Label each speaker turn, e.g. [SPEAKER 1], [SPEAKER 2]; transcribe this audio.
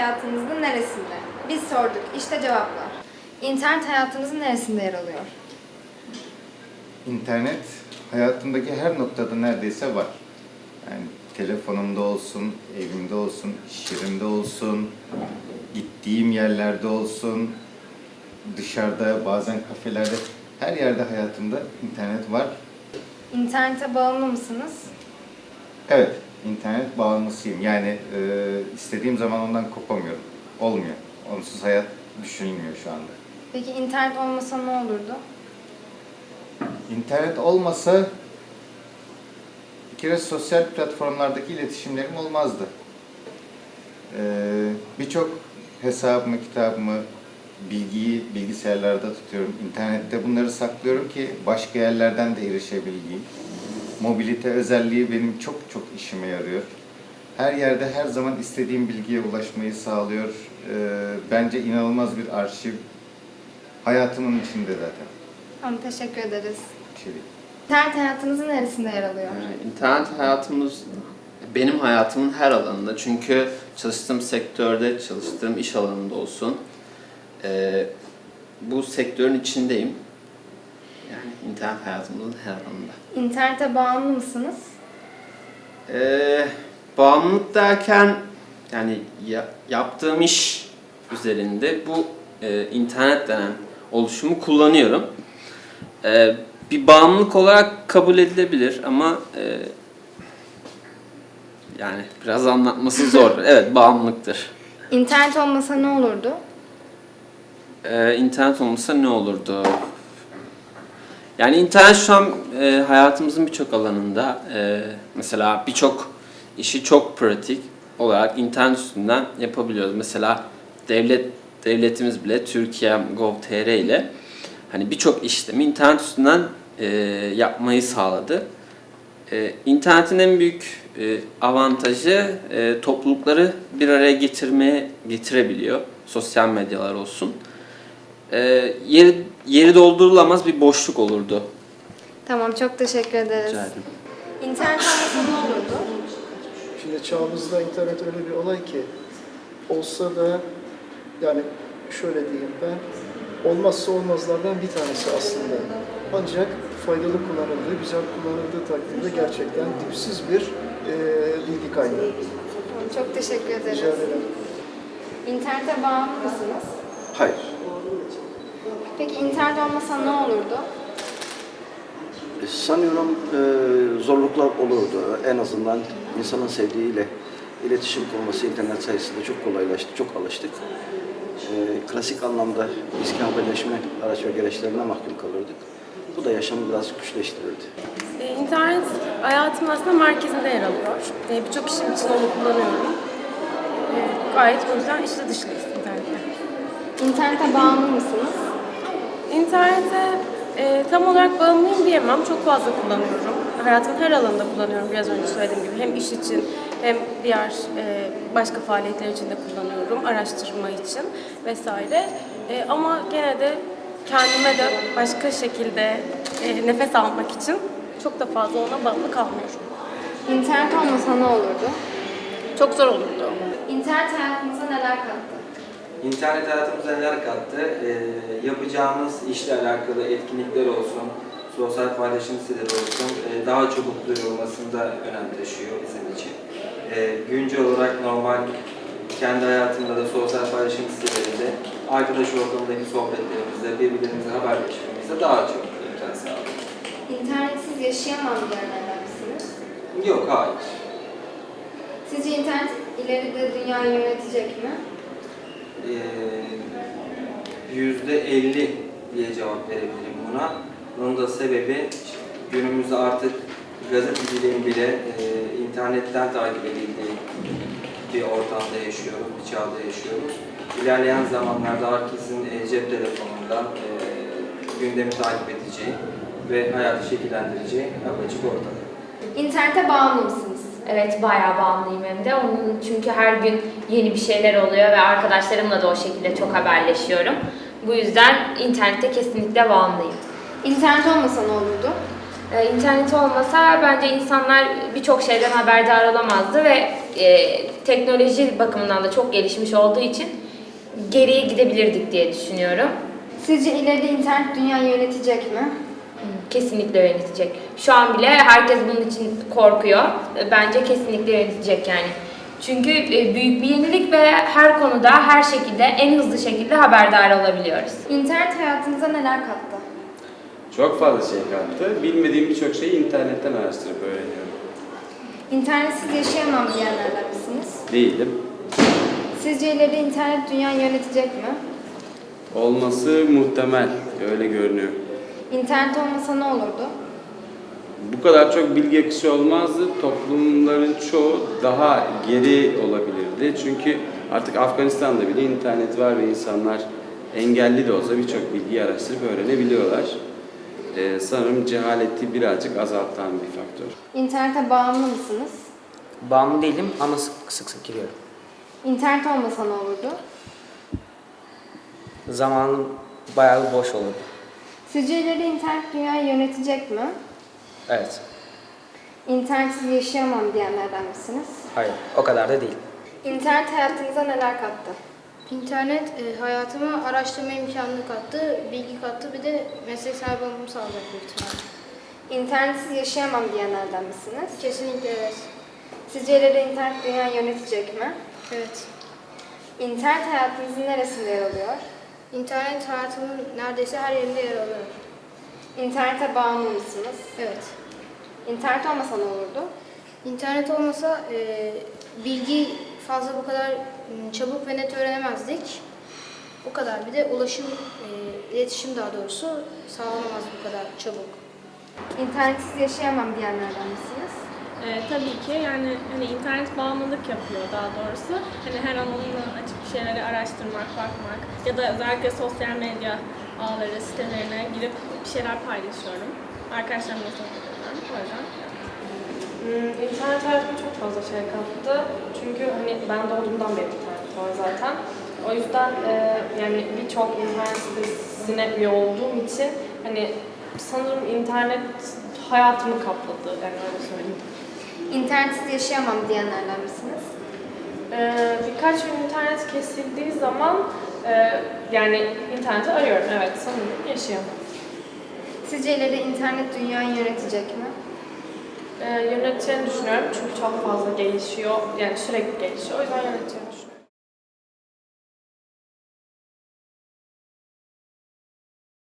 [SPEAKER 1] hayatınızın neresinde? Biz sorduk, işte cevaplar. İnternet hayatınızın neresinde yer alıyor?
[SPEAKER 2] İnternet hayatımdaki her noktada neredeyse var. Yani telefonumda olsun, evimde olsun, iş yerimde olsun, gittiğim yerlerde olsun, dışarıda, bazen kafelerde, her yerde hayatımda internet var.
[SPEAKER 1] İnternete bağımlı mısınız?
[SPEAKER 2] Evet, internet bağımlısıyım. Yani istediğim zaman ondan kopamıyorum. Olmuyor. Onsuz hayat düşünülmüyor şu anda.
[SPEAKER 1] Peki internet olmasa ne olurdu?
[SPEAKER 2] İnternet olmasa bir kere sosyal platformlardaki iletişimlerim olmazdı. Birçok hesabımı, kitabımı, bilgiyi bilgisayarlarda tutuyorum. İnternette bunları saklıyorum ki başka yerlerden de erişebileyim. Mobilite özelliği benim çok çok işime yarıyor. Her yerde her zaman istediğim bilgiye ulaşmayı sağlıyor. Bence inanılmaz bir arşiv. Hayatımın içinde zaten.
[SPEAKER 1] Tamam, teşekkür ederiz.
[SPEAKER 2] Bir şey değil.
[SPEAKER 1] İnternet hayatınızın neresinde yer alıyor?
[SPEAKER 3] İnternet hayatımız benim hayatımın her alanında. Çünkü çalıştığım sektörde, çalıştığım iş alanında olsun. Bu sektörün içindeyim. Yani internet hayatımızın her alanında.
[SPEAKER 1] İnternete bağımlı mısınız?
[SPEAKER 3] Bağımlılık derken yani yaptığım iş üzerinde bu internet denen oluşumu kullanıyorum. Bir bağımlılık olarak kabul edilebilir ama yani biraz anlatması zor. Evet, bağımlılıktır.
[SPEAKER 1] İnternet olmasa ne olurdu?
[SPEAKER 3] İnternet olmasa ne olurdu? Yani internet şu an hayatımızın birçok alanında mesela birçok işi çok pratik olarak internet üstünden yapabiliyoruz. Mesela devletimiz bile Türkiye.gov.tr ile hani birçok işlemi internet üstünden yapmayı sağladı. İnternetin en büyük avantajı toplulukları bir araya getirebiliyor. Sosyal medyalar olsun. Yeri doldurulamaz bir boşluk olurdu.
[SPEAKER 1] Tamam, çok teşekkür ederiz.
[SPEAKER 3] Rica ederim.
[SPEAKER 1] İnternet olmasa ne olurdu?
[SPEAKER 4] Şimdi çağımızda internet öyle bir olay ki olsa da yani şöyle diyeyim ben olmazsa olmazlardan bir tanesi aslında. Ancak faydalı kullanıldığı, güzel kullanıldığı takdirde gerçekten dipsiz bir bilgi kaynağı.
[SPEAKER 1] Tamam, çok teşekkür ederiz.
[SPEAKER 4] Rica ederim.
[SPEAKER 1] İnternete bağımlı mısınız?
[SPEAKER 5] Hayır.
[SPEAKER 1] Peki internet olmasa ne olurdu?
[SPEAKER 5] Sanıyorum zorluklar olurdu. En azından insanın sevdiğiyle iletişim kurması internet sayesinde çok kolaylaştı, çok alıştık. Klasik anlamda eski haberleşme araç ve gereçlerine mahkum kalırdık. Bu da yaşamı biraz güçleştirirdi.
[SPEAKER 6] İnternet hayatımın aslında merkezinde yer alıyor. Birçok işim için onu kullanıyorum. Gayet o yüzden içli dışlıyız internette.
[SPEAKER 1] İnternete bağımlı mısınız?
[SPEAKER 6] İnternete tam olarak bağımlıyım diyemem. Çok fazla kullanıyorum. Hayatımın her alanında kullanıyorum biraz önce söylediğim gibi. Hem iş için hem diğer başka faaliyetler için de kullanıyorum. Araştırma için vesaire. Ama gene de kendime de başka şekilde nefes almak için çok da fazla ona bağlı kalmıyorum.
[SPEAKER 1] İnternet olmasa ne olurdu?
[SPEAKER 6] Çok zor olurdu.
[SPEAKER 1] İnternet hayatınıza neler kattı?
[SPEAKER 7] İnternet hayatımıza neler kattı? Yapacağımız işle alakalı etkinlikler olsun, sosyal paylaşım siteleri olsun, daha çabuk duyurulmasında önem taşıyor bizim için. Güncel olarak normal kendi hayatımda da sosyal paylaşım sitelerinde arkadaş ortamındaki sohbetlerimizde, birbirlerimizle haberleşmemizde daha çok imkan sağlıyor.
[SPEAKER 1] İnternetsiz yaşayamam diyenlerden misiniz?
[SPEAKER 7] Yok, hayır.
[SPEAKER 1] Sizce internet ileride dünyayı yönetecek mi?
[SPEAKER 7] %50 diye cevap verebilirim buna. Bunun da sebebi günümüzde artık gazeteciliğin bile internetten takip edildiği bir ortamda yaşıyoruz, bir çağda yaşıyoruz. İlerleyen zamanlarda herkesin cep telefonundan gündemi takip edeceği ve hayatı şekillendireceği apaçık ortada.
[SPEAKER 1] İnternete bağımlı mısınız?
[SPEAKER 8] Evet, bayağı bağımlıyım hem de. Onun çünkü her gün yeni bir şeyler oluyor ve arkadaşlarımla da o şekilde çok haberleşiyorum. Bu yüzden internete kesinlikle bağımlıyım.
[SPEAKER 1] İnternet olmasa ne olurdu?
[SPEAKER 8] İnternet olmasa bence insanlar birçok şeyden haberdar olamazdı ve teknoloji bakımından da çok gelişmiş olduğu için geriye gidebilirdik diye düşünüyorum.
[SPEAKER 1] Sizce ileride internet dünyayı yönetecek mi?
[SPEAKER 8] Kesinlikle yönetecek. Şu an bile herkes bunun için korkuyor. Bence kesinlikle yönetecek yani. Çünkü büyük bir yenilik ve her konuda, her şekilde, en hızlı şekilde haberdar olabiliyoruz.
[SPEAKER 1] İnternet hayatınıza neler kattı?
[SPEAKER 9] Çok fazla şey kattı. Bilmediğim birçok şeyi internetten araştırıp öğreniyorum.
[SPEAKER 1] İnternetsiz yaşayamam diyenlerden misiniz?
[SPEAKER 9] Değilim.
[SPEAKER 1] Sizce ileride internet dünyayı yönetecek mi?
[SPEAKER 9] Olması muhtemel. Öyle görünüyor.
[SPEAKER 1] İnternet olmasa ne olurdu?
[SPEAKER 9] Bu kadar çok bilgi akışı olmazdı. Toplumların çoğu daha geri olabilirdi. Çünkü artık Afganistan'da bile internet var ve insanlar engelli de olsa birçok bilgiyi araştırıp öğrenebiliyorlar. Sanırım cehaleti birazcık azaltan bir faktör.
[SPEAKER 1] İnternete bağımlı mısınız?
[SPEAKER 10] Bağımlı değilim ama sık sık giriyorum.
[SPEAKER 1] İnternet olmasa ne olurdu?
[SPEAKER 10] Zamanım bayağı boş olur.
[SPEAKER 1] Sizce ileride internet dünyayı yönetecek mi?
[SPEAKER 10] Evet.
[SPEAKER 1] İnternetsiz yaşayamam diyenlerden misiniz?
[SPEAKER 10] Hayır. O kadar da değil.
[SPEAKER 1] İnternet hayatınıza neler kattı?
[SPEAKER 11] İnternet hayatıma araştırma imkanını kattı, bilgi kattı, bir de meslek sahibi olmamı sağlayacak büyük ihtimalle.
[SPEAKER 1] İnternetsiz yaşayamam diyenlerden misiniz?
[SPEAKER 11] Kesinlikle evet.
[SPEAKER 1] Sizce ileride internet dünyayı yönetecek mi?
[SPEAKER 11] Evet.
[SPEAKER 1] İnternet hayatınızın neresinde yer alıyor?
[SPEAKER 11] İnternet hayatımın neredeyse her yerinde yer alıyor.
[SPEAKER 1] İnternete bağımlı mısınız?
[SPEAKER 11] Evet.
[SPEAKER 1] İnternet olmasa ne olurdu?
[SPEAKER 11] İnternet olmasa bilgi fazla bu kadar çabuk ve net öğrenemezdik. O kadar. Bir de ulaşım, iletişim daha doğrusu sağlanamaz bu kadar çabuk.
[SPEAKER 1] İnternetsiz yaşayamam diyenlerden misiniz?
[SPEAKER 6] Tabii ki yani hani internet bağımlılık yapıyor daha doğrusu. Hani her an onunla açıp bir şeyleri araştırmak, bakmak ya da özellikle sosyal medya ağları, sitelerine girip bir şeyler paylaşıyorum. Arkadaşlarımla sohbet ediyorum. O yüzden
[SPEAKER 12] İnternet hayatıma çok fazla şey kattı. Çünkü hani ben doğduğumdan beri internet var zaten. O yüzden yani birçok internet sitesine üye olduğum için hani sanırım internet hayatımı kapladı, yani öyle söyleyeyim.
[SPEAKER 1] İnternetsiz yaşayamam diyenlerden misiniz?
[SPEAKER 12] Birkaç gün internet kesildiği zaman yani interneti arıyorum. Evet, sanırım yaşayamam.
[SPEAKER 1] Sizce ileride internet dünyayı yönetecek mi?
[SPEAKER 12] Yöneteceğini düşünüyorum çünkü çok fazla gelişiyor. Yani sürekli gelişiyor. O yüzden yöneteceğini düşünüyorum.